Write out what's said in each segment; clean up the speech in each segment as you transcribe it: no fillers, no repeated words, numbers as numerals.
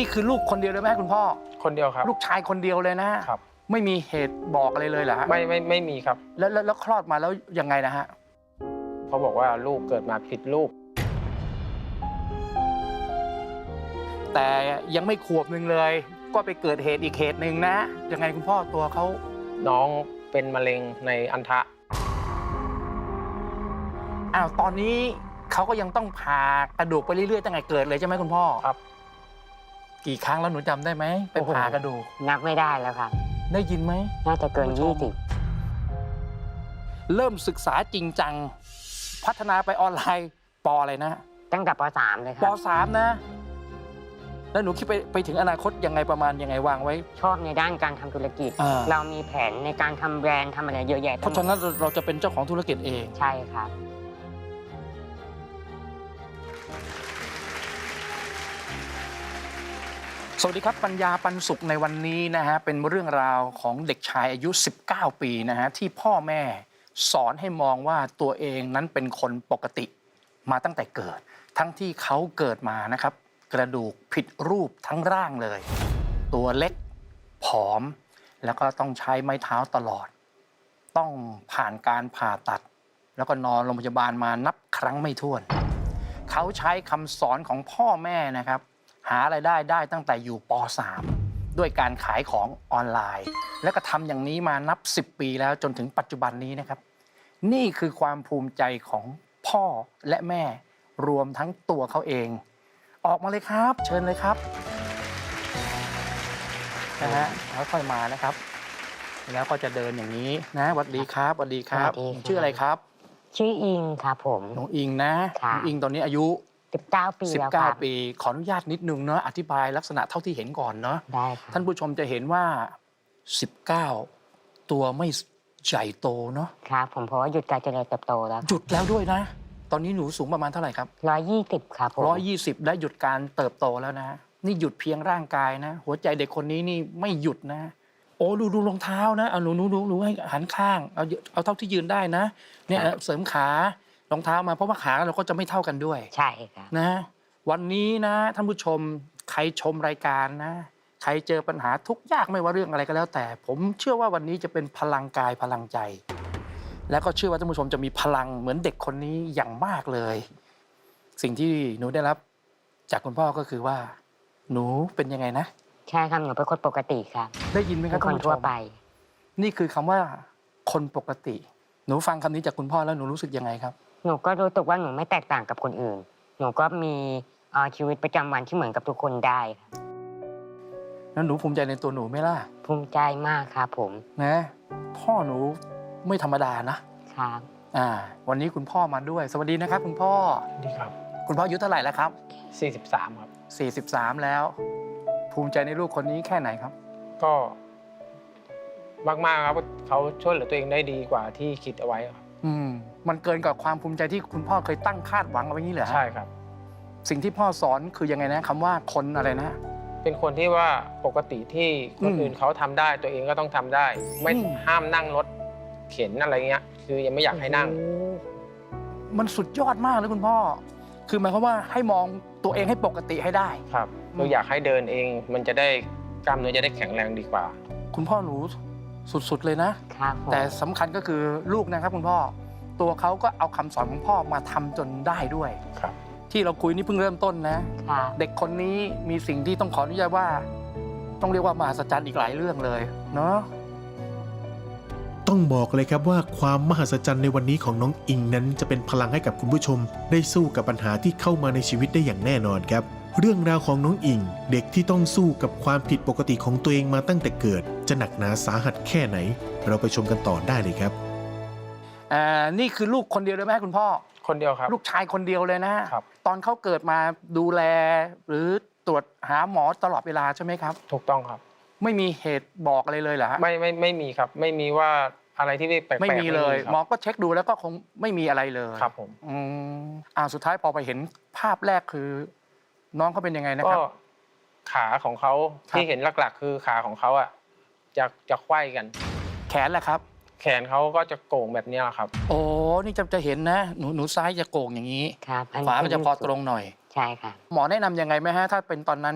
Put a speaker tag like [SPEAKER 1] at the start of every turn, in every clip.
[SPEAKER 1] นี่คือลูกคนเดียวเลยไหมคุณพ่อ
[SPEAKER 2] คนเดียวครับ
[SPEAKER 1] ลูกชายคนเดียวเลยนะครับไม่มีเหตุบอกอะไรเลยเหรอฮะ
[SPEAKER 2] ไม่มีครับ
[SPEAKER 1] แล้วคลอดมาแล้วยังไงนะฮะ
[SPEAKER 2] เขาบอกว่าลูกเกิดมาผิดลูก
[SPEAKER 1] แต่ยังไม่ขวบหนึ่งเลยก็ไปเกิดเหตุอีกเหตุหนึ่งนะยังไงคุณพ่อตัวเขา
[SPEAKER 2] น้องเป็นมะเร็งในอัณฑะ
[SPEAKER 1] ตอนนี้เขาก็ยังต้องผ่ากระดูกไปเรื่อยๆตั้งแต่เกิดเลยใช่ไหมคุณพ่อ
[SPEAKER 2] ครับ
[SPEAKER 1] กี่ครั้งแล้วหนูจำได้ไหมไปผ่ากระดูก
[SPEAKER 3] นับไม่ได้แล้วครับ
[SPEAKER 1] ได้ยินไหม
[SPEAKER 3] น่าจะเกิน20
[SPEAKER 1] เริ่มศึกษาจริงจังพัฒนาไปออนไลน์ป.อะไรนะ
[SPEAKER 3] ตั้งแต่ป.3เลยครับ
[SPEAKER 1] ป.3นะแล้วหนูคิดไปถึงอนาคตยังไงประมาณยังไงวางไว้
[SPEAKER 3] ชอบในด้านการทำธุรกิจเรามีแผนในการทำแบรนด์ทำอะไรเยอะแยะ
[SPEAKER 1] เพราะฉะนั้นเราจะเป็นเจ้าของธุรกิจเอง
[SPEAKER 3] ใช่ครับ
[SPEAKER 1] สวัสดีครับปัญญาปันสุขในวันนี้นะฮะเป็นเรื่องราวของเด็กชายอายุ19ปีนะฮะที่พ่อแม่สอนให้มองว่าตัวเองนั้นเป็นคนปกติมาตั้งแต่เกิดทั้งที่เขาเกิดมานะครับกระดูกผิดรูปทั้งร่างเลยตัวเล็กผอมแล้วก็ต้องใช้ไม้เท้าตลอดต้องผ่านการผ่าตัดแล้วก็นอนโรงพยาบาลมานับครั้งไม่ถ้วนเขาใช้คำสอนของพ่อแม่นะครับหารายได้ตั้งแต่อยู่ป.3 ด้วยการขายของออนไลน์แล้วก็ทำอย่างนี้มานับ10ปีแล้วจนถึงปัจจุบันนี้นะครับนี่คือความภูมิใจของพ่อและแม่รวมทั้งตัวเขาเองออกมาเลยครับเชิญเลยครับนะฮะค่อยๆมานะครับแล้วก็จะเดินอย่างนี้นะสวัสดีครับสวัสดีครับชื่ออะไรครับ
[SPEAKER 3] ชื่ออิงครับผม
[SPEAKER 1] น้องอิงนะน้องอิงตอนนี้อายุ
[SPEAKER 3] 19 ปีแล้วครับ
[SPEAKER 1] 19 ปีขออนุญาตนิดนึงเนาะอธิบายลักษณะเท่าที่เห็นก่อนเนาะ
[SPEAKER 3] ได้ครับ
[SPEAKER 1] ท่านผู้ชมจะเห็นว่า19ตัวไม่ใหญ่โตเนาะ
[SPEAKER 3] ครับผมเพราะว่าหยุดการเจริญเติบโตแล้ว
[SPEAKER 1] หยุดแล้วด้วยนะตอนนี้หนูสูงประมาณเท่าไหร่ครับ
[SPEAKER 3] 120ครับผม
[SPEAKER 1] 120ได้หยุดการเติบโตแล้วนะนี่หยุดเพียงร่างกายนะหัวใจเด็กคนนี้นี่ไม่หยุดนะโอ้ดูรองเท้านะเอาหนูให้หันข้างเอาเท่าที่ยืนได้นะเนี่ยเสริมขารองเท้ามาเพราะว่าขาเราก็จะไม่เท่ากันด้วย
[SPEAKER 3] ใช่ครับ
[SPEAKER 1] นะวันนี้นะท่านผู้ชมใครชมรายการนะใครเจอปัญหาทุกข์ยากไม่ว่าเรื่องอะไรก็แล้วแต่ผมเชื่อว่าวันนี้จะเป็นพลังกายพลังใจแล้วก็เชื่อว่าท่านผู้ชมจะมีพลังเหมือนเด็กคนนี้อย่างมากเลยสิ่งที่หนูได้รับจากคุณพ่อก็คือว่าหนูเป็นยังไงนะ
[SPEAKER 3] ใช่ครับหนูเป็นคนปกติครับ
[SPEAKER 1] ได้ยินไหมครับ
[SPEAKER 3] คนทั่วไป
[SPEAKER 1] นี่คือคำว่าคนปกติหนูฟังคำนี้จากคุณพ่อแล้วหนูรู้สึกยังไงครับ
[SPEAKER 3] หนูก็รู้สึกว่าหนูไม่แตกต่างกับคนอื่นหนูก็มีชีวิตประจำวันที่เหมือนกับทุกคนได้ครับ
[SPEAKER 1] แล้วหนูภูมิใจในตัวหนูไหมล่ะ
[SPEAKER 3] ภูมิใจมากครับผม
[SPEAKER 1] นะพ่อหนูไม่ธรรมดานะครับวันนี้คุณพ่อมาด้วยสวัสดีนะครับคุณพ่อ
[SPEAKER 2] สวัสดีครับ
[SPEAKER 1] คุณพ่ออายุเท่าไหร่แล้วครับ
[SPEAKER 2] 43ครับ
[SPEAKER 1] 43แล้วภูมิใจในลูกคนนี้แค่ไหนครับ
[SPEAKER 2] ก็มากๆครับเขาช่วยเหลือตัวเองได้ดีกว่าที่คิดเอาไว้ครับ
[SPEAKER 1] มันเกินกว่าความภูมิใจที่คุณพ่อเคยตั้งคาดหวังเอาไว้นี้เหรอ
[SPEAKER 2] ใช่ครับ
[SPEAKER 1] สิ่งที่พ่อสอนคือยังไงนะคำว่าคนอะไรนะ
[SPEAKER 2] เป็นคนที่ว่าปกติที่คนอื่นเขาทำได้ตัวเองก็ต้องทำได้ไม่ห้ามนั่งรถเข็นอะไรเงี้ยคือยังไม่อยากให้นั่ง
[SPEAKER 1] มันสุดยอดมากเลยคุณพ่อคือหมายความว่าให้มองตัวเองให้ปกติให้ได้
[SPEAKER 2] ครับเราอยากให้เดินเองมันจะได้กล้ามเนื้อจะได้แข็งแรงดีกว่า
[SPEAKER 1] คุณพ่อหนูสุดๆเลยนะครับแต่สำคัญก็คือลูกนะครับคุณพ่อตัวเขาก็เอาคำสอนของพ่อมาทำจนได้ด้วย
[SPEAKER 2] ครับ
[SPEAKER 1] ที่เราคุยนี่เพิ่งเริ่มต้นนะเด็กคนนี้มีสิ่งที่ต้องขออนุญาตว่าต้องเรียกว่ามหัศจรรย์อีกหลายเรื่องเลยเนาะ
[SPEAKER 4] ต้องบอกเลยครับว่าความมหัศจรรย์ในวันนี้ของน้องอิงนั้นจะเป็นพลังให้กับคุณผู้ชมได้สู้กับปัญหาที่เข้ามาในชีวิตได้อย่างแน่นอนครับเรื่องราวของน้องอิงเด็กที่ต้องสู้กับความผิดปกติของตัวเองมาตั้งแต่เกิดจะหนักหนาสาหัสแค่ไหนเราไปชมกันต่อได้เลยครับ
[SPEAKER 1] นี่คือลูกคนเดียวเลยไหมคุณพ่อ
[SPEAKER 2] คนเดียวครับ
[SPEAKER 1] ลูกชายคนเดียวเลยนะครับตอนเขาเกิดมาดูแลหรือตรวจหาหมอตลอดเวลาใช่ไหมครับ
[SPEAKER 2] ถูกต้องครับ
[SPEAKER 1] ไม่มีเหตุบอกอะไรเลยเหรอฮะ
[SPEAKER 2] ไม่มีครับไม่มีว่าอะไรที่แปลกๆ
[SPEAKER 1] ไม่มีเลยหมอก็เช็คดูแล้วก็คงไม่มีอะไรเลย
[SPEAKER 2] ครับผม
[SPEAKER 1] สุดท้ายพอไปเห็นภาพแรกคือน้องเขาเป็นยังไงนะครับก็
[SPEAKER 2] ขาของเขาที่เห็นหลักๆคือขาของเขาอ่ะจะไขว้กัน
[SPEAKER 1] แขนแหละครับ
[SPEAKER 2] แขนเขาก็จะโก่งแบบนี้ครับ
[SPEAKER 1] โอ้นี่จะเห็นนะหนูซ้ายจะโก่งอย่างนี้
[SPEAKER 3] ครับ
[SPEAKER 1] ขวามันจะพอตรงหน่อย
[SPEAKER 3] ใช่ค่ะ
[SPEAKER 1] หมอแนะนำยังไงไหมฮะถ้าเป็นตอนนั้น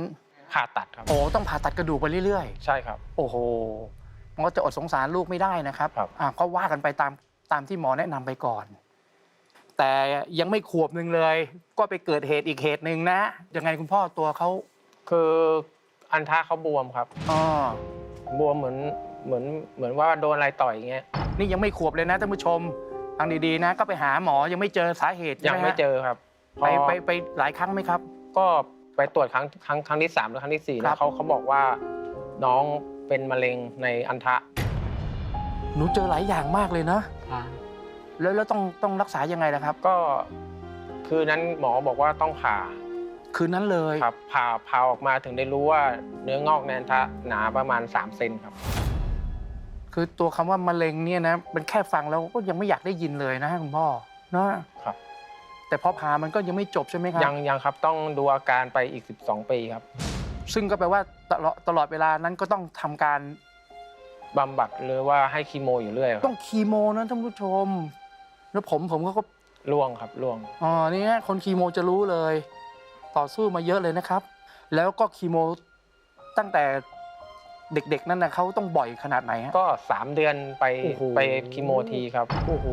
[SPEAKER 2] ผ่าตัดครับ
[SPEAKER 1] โอ้ต้องผ่าตัดกระดูกไปเรื่อย
[SPEAKER 2] ใช่ครับ
[SPEAKER 1] ๆ โอ้โหมันก็จะอดสงสารลูกไม่ได้นะครับ
[SPEAKER 2] ครับ
[SPEAKER 1] ก็ว่ากันไปตามที่หมอแนะนำไปก่อน แต่ยังไม่ขวบหนึ่งเลย ก็ไปเกิดเหตุอีกเหตุหนึ่งนะยังไงคุณพ่อตัวเขา
[SPEAKER 2] คืออันทะเขาบวมครับ
[SPEAKER 1] อ๋อบ
[SPEAKER 2] วมเหมือนว่าโดนอะไรต่อยอย่างเงี้ย
[SPEAKER 1] นี่ยังไม่ขวบเลยนะท่านผู้ชมฟังดีๆนะ ก็ไปหาหมอยังไม่เจอสาเหตุ
[SPEAKER 2] ยังไม่เจอครับ
[SPEAKER 1] ไปหลายครั้งไหมครับ
[SPEAKER 2] ก็ไปตรวจครั้งที่3หรือครั้งที่4
[SPEAKER 1] ครั
[SPEAKER 2] แล้
[SPEAKER 1] บ
[SPEAKER 2] วเขาบอกว่าน้องเป็นมะเร็งในอันทะ
[SPEAKER 1] หนูเจอหลายอย่างมากเลยนะ
[SPEAKER 3] ค่ะ
[SPEAKER 1] แล้วต้องรักษายังไงล่ะครับ
[SPEAKER 2] ก็คืนนั้นหมอบอกว่าต้องผ่า
[SPEAKER 1] คืนนั้นเลย
[SPEAKER 2] ครับผ่าออกมาถึงได้รู้ว่าเนื้องอกในอันทะหนาประมาณ3 เซนครับ
[SPEAKER 1] คือตัวคำว่ามะเร็งเนี่ยนะมันแค่ฟังแล้วก็ยังไม่อยากได้ยินเลยนะคุณพ่อนะครับ แต่พอผ่ามันก็ยังไม่จบใช่ไหมครับ
[SPEAKER 2] ยังครับต้องดูอาการไปอีก12 ปีครับ
[SPEAKER 1] ซึ่งก็แปลว่าตลอดเวลานั้นก็ต้องทำการ
[SPEAKER 2] บำบัดหรือว่าให้คีโมอยู่เรื่อยค
[SPEAKER 1] ต้
[SPEAKER 2] รั
[SPEAKER 1] อบ งคีโมนะท่านผู้ชม แล้วผมก็
[SPEAKER 2] ร่วงครับร่วง
[SPEAKER 1] นี่ฮะคนคีโมจะรู้เลย ต่อสู้มาเยอะเลยนะครับ แล้วก็คีโมตั้งแต่เด็กๆนั่นนะเขาต้องบ่อยขนาดไหนฮะ
[SPEAKER 2] ก็3 เดือนไป
[SPEAKER 1] โอ้โห
[SPEAKER 2] ไปคีโมทีครับ
[SPEAKER 1] โอ้โห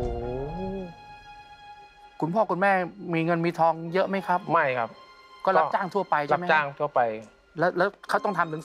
[SPEAKER 1] คุณพ่อคุณแม่มีเงินมีทองเยอะไหมครับ
[SPEAKER 2] ไม่ครับ
[SPEAKER 1] ก็รับจ้างทั่วไปใช่
[SPEAKER 2] รับ
[SPEAKER 1] ไหม
[SPEAKER 2] จ้างทั่วไป
[SPEAKER 1] แล้วเขาต้องทำถึง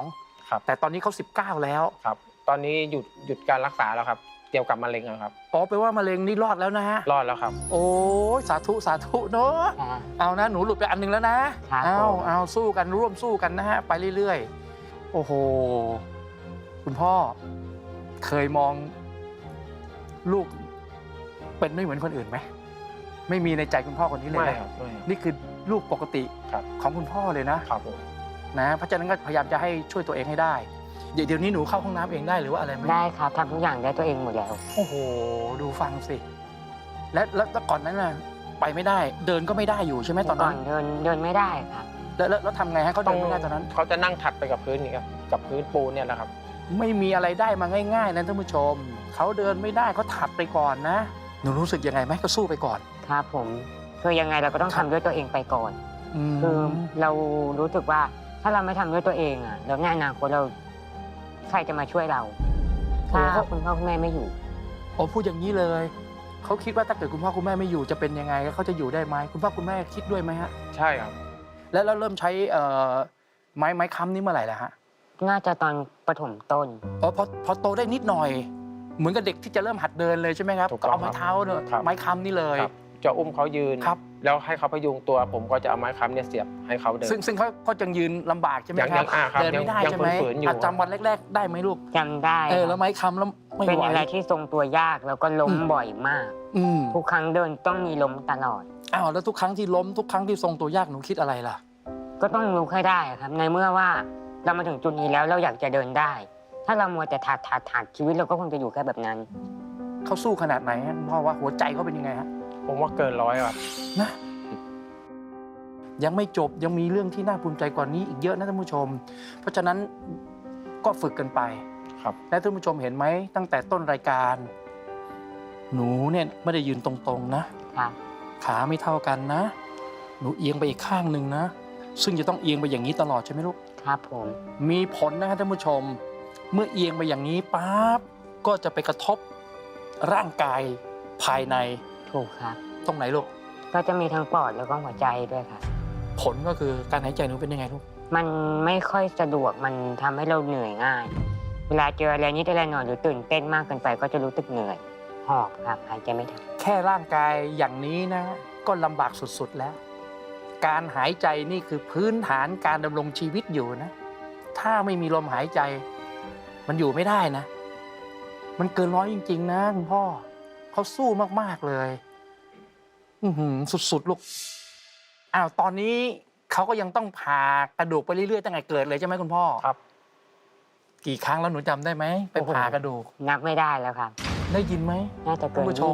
[SPEAKER 1] 12
[SPEAKER 2] ครับ
[SPEAKER 1] แต่ตอนนี้เขา19แล้ว
[SPEAKER 2] ครับ ตอนนี้หยุดการรักษาแล้วครับเกี่ยวกับมะเร็งอะครับ
[SPEAKER 1] อ๋อแปลว่ามะเร็งนี่รอดแล้วนะฮะ
[SPEAKER 2] รอดแล้วครับ
[SPEAKER 1] โอ้ยสาธุเนอะ
[SPEAKER 3] ค่ะ
[SPEAKER 1] เอานะหนูหลุดไปอันหนึงแล้วนะครับ เอาสู้กันร่วมสู้กันนะฮะไปเรื่อยๆโอ้โหคุณพ่อเคยมองลูกเป็นไม่เหมือนคนอื่นไหมไม่มีในใจคุณพ่อคนนี้เลย
[SPEAKER 2] ไม่
[SPEAKER 1] นะครับ
[SPEAKER 2] ไม่ครับ
[SPEAKER 1] นี่คือลูกปกติ
[SPEAKER 2] ครับ
[SPEAKER 1] ของคุณพ่อเลยนะครับ
[SPEAKER 2] ผม
[SPEAKER 1] นะเพราะฉะนั้นก็พยายามจะให้ช่วยตัวเองให้ได้เดี๋ยวนี้หนูเข้าห้องน้ำเองได้หรือว่าอะไรไหม
[SPEAKER 3] ได้ครับทำทุกอย่างได้ตัวเองหมดแล้ว
[SPEAKER 1] โอ้โหดูฟังสิแล้วก่อนนั้นน่ะไปไม่ได้เดินก็ไม่ได้อยู่ใช่ไหมตอน
[SPEAKER 3] ก่อ
[SPEAKER 1] นั้น น
[SPEAKER 3] เดินไม่ได้ครับ
[SPEAKER 1] แล้วทำไงฮะเขาเดินไม่ได้ตอนนั้น
[SPEAKER 2] เขาจะนั่งถัดไปกับพื้นนี่ครับกับพื้นปูนเนี่ยแหละครับ
[SPEAKER 1] ไม่มีอะไรได้มาง่ายๆนะท่านผู้ชมเขาเดินไม่ได้เขาถัดไปก่อนนะหนูรู้สึกยังไงไหมก็สู้ไปก่อน
[SPEAKER 3] ครับผมคือยังไงเราก็ต้อง
[SPEAKER 1] ครั
[SPEAKER 3] ทำ
[SPEAKER 1] บ
[SPEAKER 3] ด้วยตัวเองไปก่อน
[SPEAKER 1] ม
[SPEAKER 3] คือเรารู้สึกว่าถ้าเราไม่ทำด้วยตัวเองอ่ะแล้วในอนาคตเราใครจะมาช่วยเราถ้าคุณพ่อคุณแม่ไม่อยู่
[SPEAKER 1] โอ้พูดอย่างนี้เลยเขาคิดว่าถ้าเกิดคุณพ่อคุณแม่ไม่อยู่จะเป็นยังไงแล้วเขาจะอยู่ได้ไหมคุณพ่อคุณแม่คิดด้วยไหมฮะ
[SPEAKER 2] ใช่ครับ
[SPEAKER 1] แล้วเริ่มใช้ไม้ค้ำนี่เมื่อไหร่ล่ะฮะ
[SPEAKER 3] น่าจะตอนประถมต้น
[SPEAKER 1] อ๋อพอโตได้นิดหน่อย เหมือนกับเด็กที่จะเริ่มหัดเดินเลยใช่ไหมครับ
[SPEAKER 2] ถูกต้
[SPEAKER 1] ก็
[SPEAKER 2] อง
[SPEAKER 1] เอาไม้เท้าเนี่ย
[SPEAKER 2] ครับ
[SPEAKER 1] ไม้ค้ำนี่เลย
[SPEAKER 2] ครับจะอุ้มเขายืน
[SPEAKER 1] ครับ
[SPEAKER 2] แล้วให้เขาพยุงตัว ผมก็จะเอาไม้ค้ำเนี่ยเสียบให้เขาเดิน
[SPEAKER 1] ซึ่งเขาจะยืนลำบากใช่ไหม
[SPEAKER 2] ยัง
[SPEAKER 1] ครับ
[SPEAKER 2] ครับ
[SPEAKER 1] เดินไม่ได้
[SPEAKER 2] ยัง
[SPEAKER 1] ใช่ไหม
[SPEAKER 2] ฝืนๆอยู่
[SPEAKER 1] จำวันแรก ๆ ได้ไหมลูก
[SPEAKER 3] จำได้
[SPEAKER 1] แล้วไม้ค้ำแล้วไม่
[SPEAKER 3] เป็น
[SPEAKER 1] ไหว
[SPEAKER 3] อะไรที่ทรงตัวยากแล้วก็ล้ม
[SPEAKER 1] อืม
[SPEAKER 3] บ่อยมาก
[SPEAKER 1] อืม
[SPEAKER 3] ทุกครั้งเดินต้องมีล้มตลอด
[SPEAKER 1] อ้าวแล้วทุกครั้งที่ล้มทุกครั้งที่ทรงตัวยากหนูคิดอะไรล่ะ
[SPEAKER 3] ก็ต้องลุกให้ได้ครับ ในเมื่อว่าเรามาถึงจุดนี้แล้วเราอยากจะเดินได้ ถ้าเรามัวแต่ถาดชีวิตเราก็คงจะอยู่แค่แบบนั้น
[SPEAKER 1] เขาสู้ขนาดไหนฮะคุณพ่อว่าหัวใจเขาเป็นยังไงฮะ
[SPEAKER 2] ผมว่าเกิน100ครับ
[SPEAKER 1] นะยังไม่จบยังมีเรื่องที่น่าภูมิใจกว่านี้อีกเยอะนะท่านผู้ชม เพราะฉะนั้นก็ฝึกกันไป
[SPEAKER 2] ครับ
[SPEAKER 1] และท่านผู้ชมเห็นไหมตั้งแต่ต้นรายการ หนูเนี่ยไม่ได้ยืนตรงๆนะ
[SPEAKER 3] ครับ
[SPEAKER 1] ขาไม่เท่ากันนะ หนูเอียงไปอีกข้างหนึ่งนะ ซึ่งจะต้องเอียงไปอย่างนี้ตลอดใช่ไหมลูก
[SPEAKER 3] ครับผม
[SPEAKER 1] มีผลนะครับท่านผู้ชม เมื่อเอียงไปอย่างนี้ปั๊บก็จะไปกระทบร่างกายภายใน
[SPEAKER 3] ถูกครับ
[SPEAKER 1] ตรงไหนลูก
[SPEAKER 3] ก็จะมีทั้งปอดแล้วก็หัวใจด้วยครับ
[SPEAKER 1] ผลก็คือการหายใจหนูเป็นยังไงลูก
[SPEAKER 3] มันไม่ค่อยสะดวกมันทำให้เราเหนื่อยง่าย เวลาเจออะไรนิดอะไรหน่อยหรือตื่นเต้นมากเกินไปก็จะรู้สึกเหนื่อยหอบครับหายใจไม่ทัน
[SPEAKER 1] แค่ร่างกายอย่างนี้นะ ก็ลำบากสุดๆแล้ว การหายใจนี่คือพื้นฐานการดำรงชีวิตอยู่นะ ถ้าไม่มีลมหายใจ มันอยู่ไม่ได้นะ มันเกินร้อยจริงๆนะคุณพ่อเขาสู้มากๆเลย สุดๆลูกอ้าวตอนนี้เขาก็ยังต้องผ่ากระดูกไปเรื่อยๆตั้งแต่เกิดเลยใช่ไหมคุณพ่อ
[SPEAKER 2] ครับ
[SPEAKER 1] กี่ครั้งแล้วหนูจำได้ไหมไปผ่ากระดูก
[SPEAKER 3] นับไม่ได้แล้วครับ
[SPEAKER 1] ได้ยินไหม
[SPEAKER 3] น่าจะเกิน
[SPEAKER 1] ท่านผู้ชม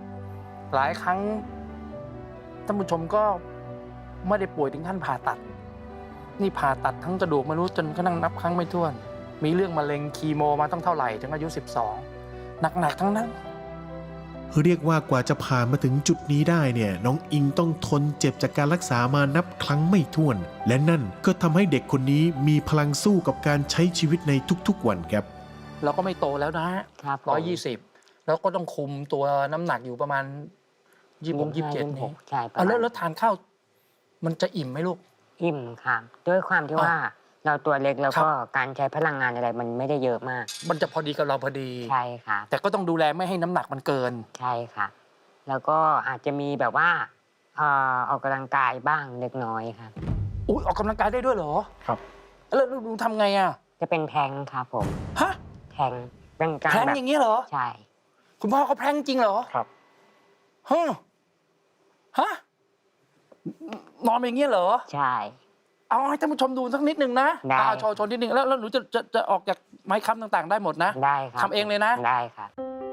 [SPEAKER 3] 20
[SPEAKER 1] หลายครั้งท่านผู้ชมก็ไม่ได้ป่วยถึงขั้นผ่าตัด นี่ผ่าตัดทั้งกระดูกไม่รู้จนกระทั่งนับครั้งไม่ถ้วน มีเรื่องมะเร็งคีโมมาตั้งเท่าไหร่ถึงอายุ 12 หนักๆทั้งนั้น
[SPEAKER 4] เรียกว่ากว่าจะผ่านมาถึงจุดนี้ได้เนี่ยน้องอิงต้องทนเจ็บจากการรักษามานับครั้งไม่ถ้วน และนั่นก็ทำให้เด็กคนนี้มีพลังสู้กับการใช้ชีวิตในทุกๆวันครับ
[SPEAKER 1] เราก็ไม่โตแล้วนะ
[SPEAKER 3] ครับผม
[SPEAKER 1] 120แล้วก็ต้องคุมตัวน้ำหนักอยู่ประมาณ26 27นี่
[SPEAKER 3] ใช่ประ
[SPEAKER 1] เอา
[SPEAKER 3] มาณ
[SPEAKER 1] แล้วทานข้าวมันจะอิ่มไหมลูก
[SPEAKER 3] อิ่มครับด้วยความที่ว่าเราตัวเล็กแล้ว
[SPEAKER 1] ครับ
[SPEAKER 3] ก็การใช้พลังงานอะไรมันไม่ได้เยอะมาก
[SPEAKER 1] มันจะพอดีกับเราพอดี
[SPEAKER 3] ใช่ครับ
[SPEAKER 1] แต่ก็ต้องดูแลไม่ให้น้ำหนักมันเกิน
[SPEAKER 3] ใช่ค่ะ แล้วก็อาจจะมีแบบว่าออกกำลังกายบ้างเล็กน้อยครับ
[SPEAKER 1] อุ้ยออกกำลังกายได้ด้วยเหรอ
[SPEAKER 2] ครับ
[SPEAKER 1] แล้วหนูทำไงอ่ะ
[SPEAKER 3] จะเป็นแทงครับผม
[SPEAKER 1] ฮะ
[SPEAKER 3] แทงเป็นการ
[SPEAKER 1] แพลง
[SPEAKER 3] แบบ
[SPEAKER 1] อย่างนี้เหรอ
[SPEAKER 3] ใช่
[SPEAKER 1] คุณพ่อเขาแพลงจริงเหรอ
[SPEAKER 2] ครับ
[SPEAKER 1] ฮะฮะนอนอย่างนี้เหรอ
[SPEAKER 3] ใช่
[SPEAKER 1] เอาให้ท่านผู้ชมดูสักนิดหนึ่งนะ
[SPEAKER 3] ได้
[SPEAKER 1] โชว์นิดหนึ่งแล้วหนูจะออกจากไม้ค้ำต่างๆ ได้หมดนะ
[SPEAKER 3] ได้ครับ
[SPEAKER 1] ทำเองเลยนะ
[SPEAKER 3] ได้ครับ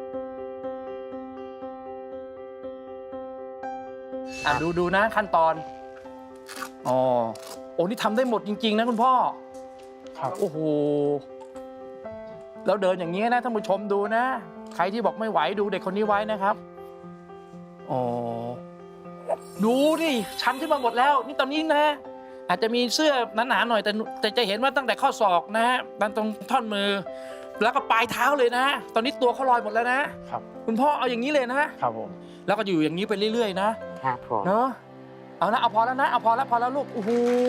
[SPEAKER 1] ดูนะขั้นตอนอ๋อโอ้นี่ทำได้หมดจริง ๆ นะคุณพ่อ
[SPEAKER 2] ครับ
[SPEAKER 1] โอ้โหแล้วเดินอย่างนี้นะท่านผู้ชมดูนะ ใครที่บอกไม่ไหวดูเด็กคนนี้ไว้นะครับอ๋อดูดิชันขึ้นมาหมดแล้ว นี่ตอนนี้นะ อาจจะมีเสื้อหนาๆหน่อยแต่จะเห็นว่าตั้งแต่ข้อศอกนะฮะตรงท่อนมือ แล้วก็ปลายเท้าเลยนะ ตอนนี้ตัวเขาลอยหมดแล้วนะครับ คุณพ่อเอาอย่างนี้เลยนะ
[SPEAKER 2] ครับผม
[SPEAKER 1] แล้วก็อยู่อย่างนี้ไปเรื่อยๆนะครับ
[SPEAKER 3] ผม
[SPEAKER 1] เนอะเอานะเอาพอแล้วนะเอาพอแล้วลูกโอ้โห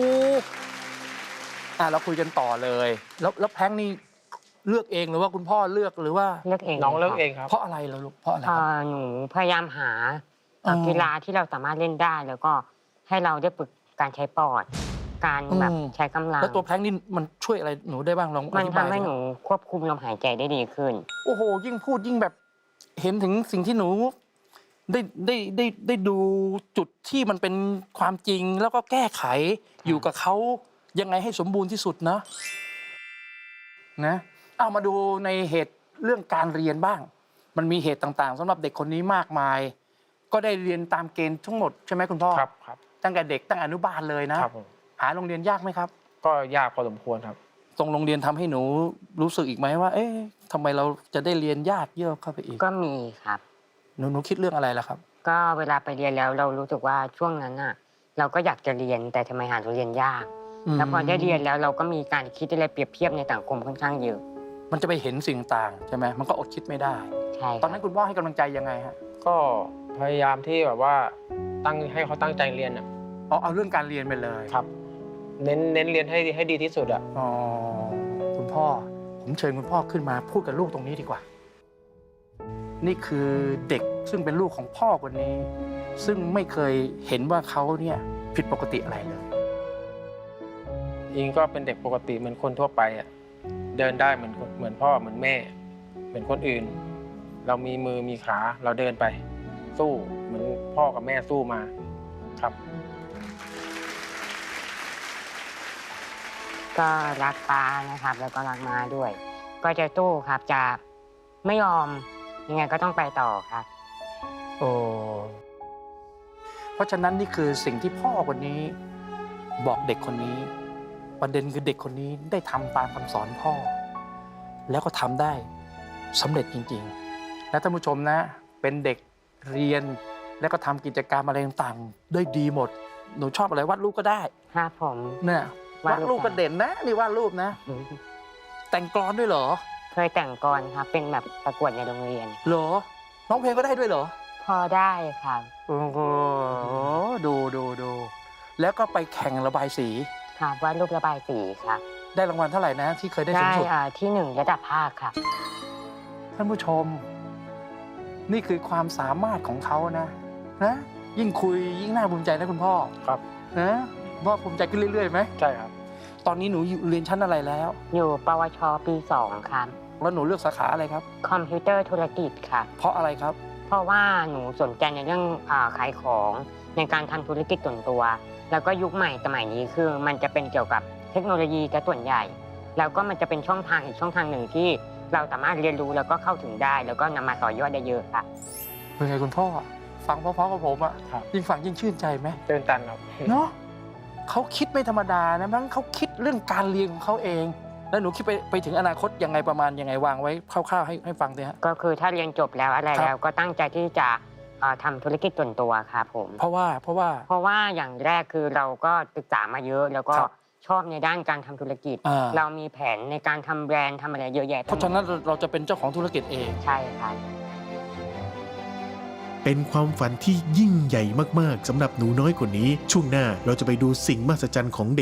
[SPEAKER 1] เราคุยกันต่อเลย แล้วแพงนี่เลือกเองหรือว่าคุณพ่อเลือกหรือว่า
[SPEAKER 3] เลือกเอง
[SPEAKER 2] น้องเลิก
[SPEAKER 3] ครับ
[SPEAKER 2] เองครับ
[SPEAKER 1] เพราะอะไรล่ะลูกเพราะอะไรครับ
[SPEAKER 3] หนูพยายามหา
[SPEAKER 1] อ๋อ
[SPEAKER 3] กีฬาที่เราสามารถเล่นได้ แล้วก็ให้เราได้ฝึกการใช้ปอด การแบบ
[SPEAKER 1] อืม
[SPEAKER 3] ใช้กำลัง
[SPEAKER 1] แล้วตัวแพงนี่มันช่วยอะไรหนูได้บ้างลองอ
[SPEAKER 3] มัน
[SPEAKER 1] ธิ
[SPEAKER 3] ทำ
[SPEAKER 1] บาย
[SPEAKER 3] ให้
[SPEAKER 1] สิ
[SPEAKER 3] หนูควบคุมลมหายใจได้ดีขึ้น
[SPEAKER 1] โอ้โหยิ่งพูดยิ่งแบบเห็นถึงสิ่งที่หนูได้ดูจุดที่มันเป็นความจริงแล้วก็แก้ไขอยู่กับเขายังไงให้สมบูรณ์ที่สุดนะเอามาดูในเหตุเรื่องการเรียนบ้าง มันมีเหตุต่างๆสำหรับเด็กคนนี้มากมาย ก็ได้เรียนตามเกณฑ์ทั้งหมดใช่ไหมคุณพ่อ
[SPEAKER 2] ครับครับ
[SPEAKER 1] ตั้งแต่เด็กตั้งอนุบาลเลยนะครับ
[SPEAKER 2] ผม
[SPEAKER 1] หาโรงเรียนยากไหมครับ
[SPEAKER 2] ก็ยากพอสมควรครับ
[SPEAKER 1] ตรงโรงเรียนทำให้หนูรู้สึกอีกไหมว่า เอ๊ะทำไมเราจะได้เรียนยากเยอะเข้าไปอีก
[SPEAKER 3] ก็มีครับ
[SPEAKER 1] หนูคิดเรื่องอะไรล่ะครับ
[SPEAKER 3] ก็เวลาไปเรียนแล้วเรารู้สึกว่าช่วงนั้นน่ะ เราก็อยากจะเรียนแต่ทำไมหาเรียนยาก แล้วพอได้เรียนแล้วเราก็มีการคิดอะไรเปรียบเทียบในสังคมค่อนข้างเยอะ
[SPEAKER 1] มันจะไปเห็นสิ่งต่างใช่ไหมมันก็อดคิดไม่ได้
[SPEAKER 3] ใช่ครับ
[SPEAKER 1] ตอนนั้นคุณพ่อให้กำลังใจยังไงฮะ
[SPEAKER 2] ก็พยายามที่แบบว่าให้เขาตั้งใจเรียนอ่ะ
[SPEAKER 1] เอาเรื่องการเรียนไปเลย
[SPEAKER 2] ครับ เน้นเรียนให้ดีที่สุดอ่ะ
[SPEAKER 1] อ๋อคุณพ่อผมเชิญคุณพ่อขึ้นมาพูดกับลูกตรงนี้ดีกว่า นี่คือเด็กซึ่งเป็นลูกของพ่อคนนี้ ซึ่งไม่เคยเห็นว่าเขาเนี่ยผิดปกติอะไรเลย
[SPEAKER 2] อิงก็เป็นเด็กปกติเหมือนคนทั่วไปอ่ะ เดินได้เหมือนพ่อเหมือนแม่ เหมือนคนอื่น เรามีมือมีขาเราเดินไป สู้เหมือนพ่อกับแม่สู้มาครับ
[SPEAKER 3] ก็รักป้านะครับ แล้วก็รักม้าด้วย ก็จะสู้ครับจะไม่ยอมยังไงก็ต้องไปต่อครับ
[SPEAKER 1] โอ้เพราะฉะนั้นนี่คือสิ่งที่พ่อคนนี้บอกเด็กคนนี้ ประเด็นคือเด็กคนนี้ได้ทำตามคำสอนพ่อ แล้วก็ทำได้สำเร็จจริงๆ และท่านผู้ชมนะ เป็นเด็กเรียนแล้วก็ทำกิจกรรมอะไรต่างๆได้ดีหมด หนูชอบอะไรวาดรูปก็ได้
[SPEAKER 3] ครับผม
[SPEAKER 1] เนี่ยว
[SPEAKER 3] าดรูป
[SPEAKER 1] าดรูปก็เด่นนะนี่วาดรูปนะ แต่งกลอนด้วยเหรอ
[SPEAKER 3] เคยแต่งกลอนครับ เป็นแบบประกวดในโรงเรียน
[SPEAKER 1] เหรอร้องเพลงก็ได้ด้วยเหรอ
[SPEAKER 3] พอได้ครับ
[SPEAKER 1] โอ้โหดูแล้วก็ไปแข่งระบายสี
[SPEAKER 3] ครับวาดรูประบายสีครับ
[SPEAKER 1] ได้รางวัลเท่าไหร่นะที่เคยได้สูงสุด
[SPEAKER 3] ที่1ระดับภาคครับ
[SPEAKER 1] ท่านผู้ชม นี่คือความสามารถของเขานะยิ่งคุยยิ่งน่าภูมิใจนะคุณพ่อ
[SPEAKER 2] ครับ
[SPEAKER 1] นะพ่อภูมิใจขึ้นเรื่อยๆไหม
[SPEAKER 2] ใช่ครับ
[SPEAKER 1] ตอนนี้หนูเรียนชั้นอะไรแล้ว
[SPEAKER 3] อยู่ปวชปี 2 ครับ
[SPEAKER 1] แล้วหนูเลือกสาขาอะไรครับ
[SPEAKER 3] คอมพิวเตอร์ธุรกิจครับ
[SPEAKER 1] เพราะอะไรครับ
[SPEAKER 3] เพราะว่าหนูสนใจในเรื่องขายของในการทำธุรกิจส่วนตัว แล้วก็ยุคใหม่สมัยนี้คือมันจะเป็นเกี่ยวกับเทคโนโลยีซะส่วนใหญ่ แล้วก็มันจะเป็นช่องทางอีกช่องทางหนึ่งที่เราสามารถเรียนรู้แล้วก็เข้าถึงได้ แล้วก็นำมาต่อยอดได้เยอะค่ะ
[SPEAKER 1] เป็นไงคุณพ่อ ฟังเพราะๆกับผมอะ
[SPEAKER 2] ครับ
[SPEAKER 1] ยิ่งฟังยิ่งชื่นใจไหม
[SPEAKER 2] ตื่นตันครับ
[SPEAKER 1] เนาะเขาคิดไม่ธรรมดานะมั้งเขาคิดเรื่องการเรียนของเขาเองแล้วหนูคิดไปถึงอนาคตยังไงประมาณยังไงวางไว้คร่าวๆให้ฟังด้วยฮะ
[SPEAKER 3] ก็คือถ้าเรียนจบแล้วอะไร
[SPEAKER 1] ครับ
[SPEAKER 3] แล้วก็ตั้งใจที่จะทำธุรกิจส่วนตัวครับผม
[SPEAKER 1] เพราะว่า
[SPEAKER 3] เพราะว่าอย่างแรกคือเราก็ศึกษามาเยอะ แล้วก็
[SPEAKER 1] ครับ
[SPEAKER 3] ชอบในด้านการทำธุรกิจ เรามีแผนในการทำแบรนด์ทำอะไรเยอะแยะ
[SPEAKER 1] เพราะฉะนั้นเราจะเป็นเจ้าของธุรกิจเอง
[SPEAKER 3] ใช่ครับ
[SPEAKER 4] เป็นความฝันที่ยิ่งใหญ่มากๆสำหรับหนูน้อยคนนี้ ช่วงหน้าเราจะไปดูสิ่งมหัศจรรย์ของเ